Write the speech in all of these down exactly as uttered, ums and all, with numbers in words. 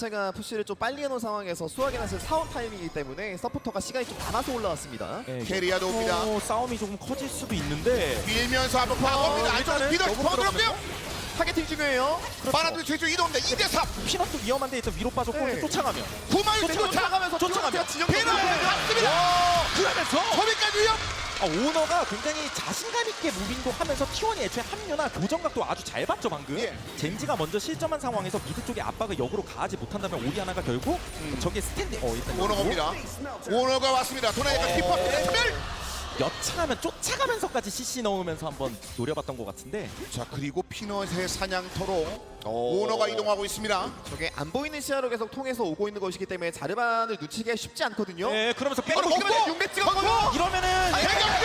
제가 푸시를 좀 빨리 해놓은 상황에서 수학의 낫을 사원 타이밍이기 때문에 서포터가 시간이 좀 남아서 올라왔습니다. 네, 캐리아도 옵니다. 어, 싸움이 조금 커질 수도 있는데 밀면서 한번 파고옵니다. 안쪽으로 일단은 미더 너무 더 들었고요. 타겟팅 중요해요. 바라드 최초 이동입니다. 이 대 삼. 피넛도 위험한데 일단 위로 빠졌고 네. 쫓아가면 구마유 쫓아가면서 쫓아가면 진영 피넛 갔습니다. 그러면서 소비까지 위험. 아, 오너가 굉장히 자신감 있게 무빙도 하면서 티원이 애초에 합류나 교정각도 아주 잘 봤죠 방금. 예. 젠지가 먼저 실점한 상황에서 미드 쪽에 압박을 역으로 가하지 못한다면 오리아나가 결국 저게 스탠드 어 일단 오너 여기고 옵니다. 오너가 왔습니다. 도나이가 어. 키퍼입니다. 특별. 여차하면 쫓아가면서까지 씨씨 넣으면서 한번 노려봤던 것 같은데 자 그리고 피넛의 사냥터로 오너가 이동하고 있습니다. 저게 안 보이는 시야로 계속 통해서 오고 있는 것이기 때문에 자르반을 놓치기가 쉽지 않거든요. 네 그러면서 바로 빼고 먹고 육 대 찍었고요. 이러면은 대격변.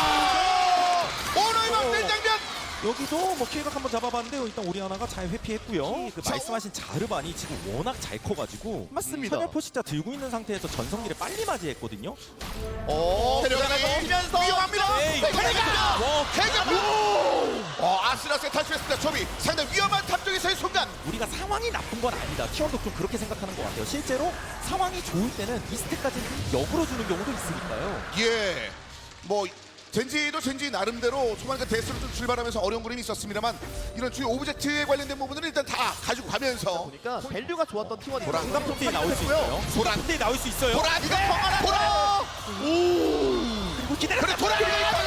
오너의 막대 장면. 여기도 뭐 킬각 한번 잡아봤는데 일단 오리아나가 잘 회피했고요. 그 자, 말씀하신 자르반이 지금 워낙 잘 커가지고 맞습니다. 선열 포식자 들고 있는 상태에서 전성기를 빨리 맞이했거든요. 어, 데려가면서 들어가면서 위험합니다. 에이, 대격변. 와, 대격변. 어 아슬아슬 탈출했습니다. 초비 상당히 위험한 탑 쪽에서의 순간. 우리가 상황이 나쁜 건 아니다. 티원도 좀 그렇게 생각하는 것 같아요. 실제로 상황이 좋을 때는 이 스택까지는 역으로 주는 경우도 있으니까요. 예. 뭐 젠지도 젠지 나름대로 초반에 데스로 좀 출발하면서 어려운 그림이 있었습니다만 이런 주요 오브젝트에 관련된 부분들은 일단 다 가지고 가면서 보니까 밸류가 좋았던 티원이 보라. 중간 폰데이 나올 수 있어요. 보라. 폰데이 나올 수 있어요. 보라 이거 펑하나 보라. 그리고 기다려. 그래 보라.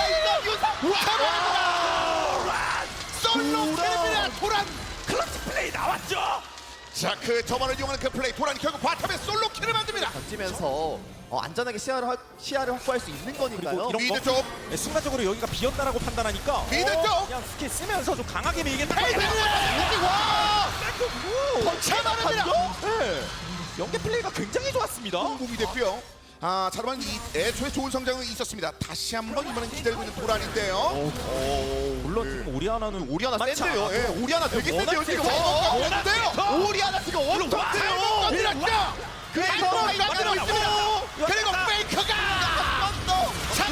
우와. 솔로 캐리비아 도란. 클러치 플레이 나왔죠. 자 그 저만을 이용하는 그 플레이 도란이 결국 바텀에 솔로 킬을 만듭니다. 던지면서 어, 안전하게 시야를, 확- 시야를 확보할 수 있는 거니까요. 이런 미드 거? 쪽. 네, 순간적으로 여기가 비었다라고 판단하니까 미드 어, 쪽. 그냥 스킬 쓰면서 좀 강하게 밀겠다. 와. 펀치만합니다. 네. 연계 플레이가 굉장히 좋았습니다. 공이 됐고요. 아 자르반 이 애초에 좋은 성장은 있었습니다. 다시 한번 이번엔 기다리고 있는 도란인데요. 물론 지금 오리아나는 오리아나 많지 센데요. 않아도 예, 오리아나 되게 워낙 센데요 지금. 세죠. 어, 워낙 센데요. 세죠. 오리아나 지금 엄청 와, 세요. 건드렸죠. 그래서 건드렸죠. 이거 그리고 페이커가 한번더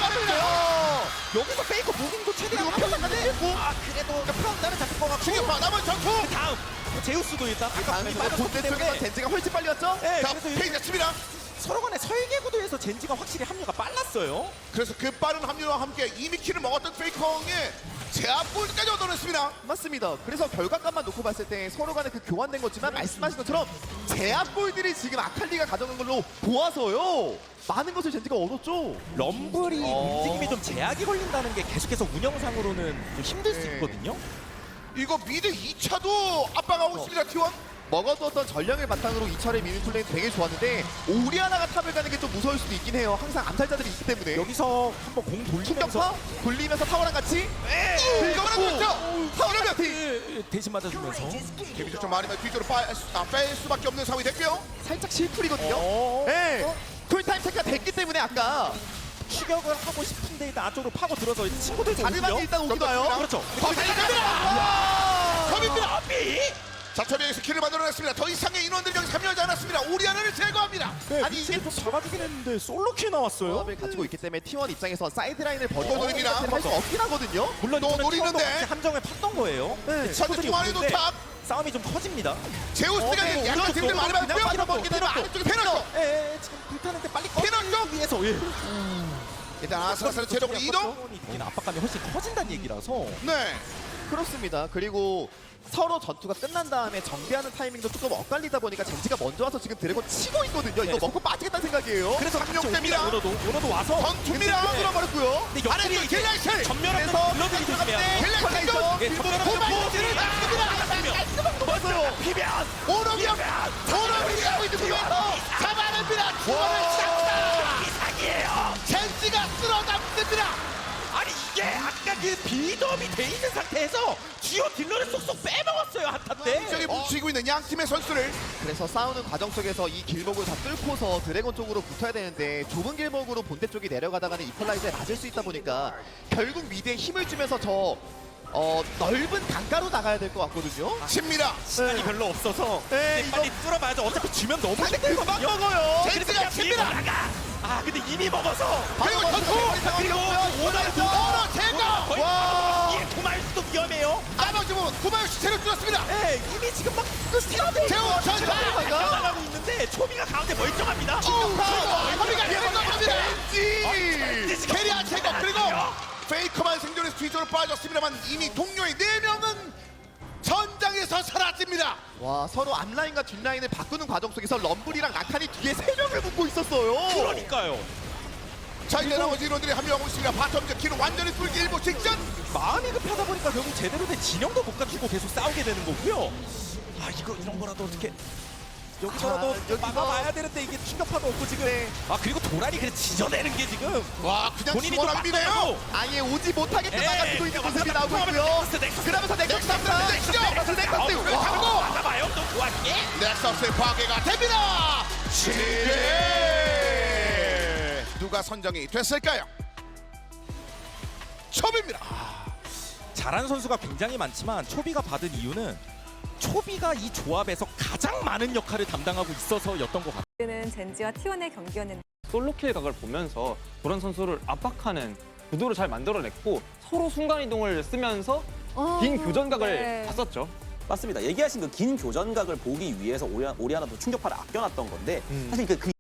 잡아주죠. 여기서 페이커 무빙도 최대한 합격하는데 아 그래도 프라운다는 잡힐 것 같고 충격파 남은 전투. 다음 제우스도 일단 아까 당연히 보면 본대 빠졌기 쪽에서 때문에 젠지가 훨씬 빨리 왔죠? 네, 자 그래서 페이지 됐습니다. 서로 간의 설계 구도에서 젠지가 확실히 합류가 빨랐어요. 그래서 그 빠른 합류와 함께 이미 킬을 먹었던 페이커의 제압골까지 얻어냈습니다. 맞습니다. 그래서 결과값만 놓고 봤을 때 서로 간에 그 교환된 거지만 말씀하신 것처럼 제압골들이 지금 아칼리가 가져간 걸로 보아서요. 많은 것을 젠지가 얻었죠. 럼블이 어. 움직임이 좀 제약이 걸린다는 게 계속해서 운영상으로는 좀 힘들 수 네. 있거든요. 이거 미드 이 차도 압박하고 있습니다. 티원. 먹어두었던 전령을 바탕으로 이 차례 미는 플레이 되게 좋았는데 오리아나가 탑을 가는 게 좀 무서울 수도 있긴 해요. 항상 암살자들이 있기 때문에. 여기서 한번 공 돌리면서 충격파 돌리면서 타워랑 같이 이거는 그렇죠. 타워랑 같이 예, 대신 맞아주면서 데미지 좀 많이 뒤쪽으로 빠, 아, 뺄 수밖에 없는 상황이 됐고요. 살짝 실풀이거든요. 어. 네. 쿨타임 체크가 됐기 때문에 아까 추격을 하고 싶은데 일단 안쪽으로 파고 들어서 친구들 자르반이 일단 오기도 와요. 그렇죠. 더 달려갑니다. 컵입니다. 아비 자, 초비에서 킬을 만들어냈습니다. 더 이상의 인원들이 여기 참여하지 않았습니다. 오리아나를 제거합니다. 네, 아니, 이게 이게 좀 잡아주긴 했는데 솔로킬 나왔어요. 조합을 가지고 있기 때문에 티원 입장에서 사이드라인을 또 버리고 노립니다. 할수 없긴 하거든요. 물론 또 이거는 노리는데. 티원도 같이 함정을 팠던 거예요. 네. 친구들이 자, 중앙에 오는데 도착. 싸움이 좀 커집니다. 제우스가 어, 네, 약간 오른쪽 팀들 많이 그냥 받고요. 그냥 먹게 되면 그냥 아래쪽에 페널. 예, 예, 지금 불타는데 빨리 피넛 쪽! 위해서 예. 일단 아슬아슬 체력으로 이동. 이긴 압박감이 훨씬 커진다는 얘기라서 네. 그렇습니다. 그리고 서로 전투가 끝난 다음에 정비하는 타이밍도 조금 엇갈리다 보니까 젠지가 먼저 와서 지금 드래곤 치고 있거든요. 이거 네. 먹고 빠지겠다는 생각이에요. 그래서 상륙됩니다. 오너도 오너도 와서 전투입니다. 뚫어버렸고요. 근데 아래쪽 역들이 킬라이트. 전멸하면 그래서 블러들이 조심해야 돼요. 킬라이트. 예, 전멸하면 고발들을 맞아요. 비면 오너비야. 오너비야. 이쪽에서 잡아냅니다. 주원을 잡다. 이상이에요. 젠지가 쓸어담습니다. 아니 이게 아까 그 비덤이 돼 있는 상태에서 주요 딜러를 쏙쏙 빼먹었어요 한타 때. 저기 뭉치고 있는 양 팀의 선수를 그래서 싸우는 과정 속에서 이 길목을 다 뚫고서 드래곤 쪽으로 붙어야 되는데 좁은 길목으로 본대 쪽이 내려가다가는 이퀄라이저에 맞을 수 있다 보니까 결국 미드에 힘을 주면서 저 어, 넓은 강가로 나가야 될 것 같거든요. 칩니다. 시간이 별로 없어서 네, 이제 빨리 뚫어봐야죠. 어차피 주면 너무 근데 그만 먹어요. 젠지가 칩니다. 나가. 아 근데 이미 먹어서 그리고 전투. 그리고 오너를 오너 제거. 거의 와. 예, 도말 수도 위험해요. 나머지 부분 구마요시 체력 줄었습니다. 네, 이미 지금 막 스티라데 제우 전사 나가고 있는데 초비가 가운데 멀쩡합니다. 허리가 내려갑니다. 왠지. 왠지 캐리아 제거 그리고 페이커만 생존해서 뒤쪽으로 빠졌습니다만 이미 동료의 네 명은 전장에서 사라집니다. 와 서로 앞라인과 뒷라인을 바꾸는 과정 속에서 럼블이랑 라칸이 뒤에 세 명을 묶고 있었어요. 그러니까요. 자 이제 나머지 인원들이 합류하고 있습니다. 바텀 키는 완전히 뚫기 일보 직전. 마음이 급하다 보니까 결국 제대로 된 진영도 못 갖추고 계속 싸우게 되는 거고요. 아 이거 이런 거라도 어떻게 여기서라도 아, 여기서- 막아봐야 되는데 이게 충격파도 없고 지금. 네. 아 그리고 도란이 그냥 지져내는 게 지금 와 그냥 본인이 또 시원합니다요. 막아내고. 아예 오지 못하게끔 예, 막아주고 있는 그냥 모습이 왔다 나오고 갔다 있고요. 넥서스, 넥서스. 그러면서 넥서스 넥서스, 탑니다. 넥서스, 넥서스 넥서스. 넥서스. 와. 막아봐요 또 좋아하게. 넥서스의 파괴가 됩니다. 칠회 누가 선정이 됐을까요? 초비입니다. 잘하는 선수가 굉장히 많지만 초비가 받은 이유는 초비가 이 조합에서 가장 많은 역할을 담당하고 있어서였던 것 같아요. 는 젠지와 티원의 경기였는데 솔로킬 각을 보면서 도란 선수를 압박하는 구도를 잘 만들어냈고 서로 순간이동을 쓰면서 긴 교전각을 네. 봤었죠. 맞습니다. 얘기하신 그 긴 교전각을 보기 위해서 오리, 오리아나도 충격파를 아껴놨던 건데 사실 그, 그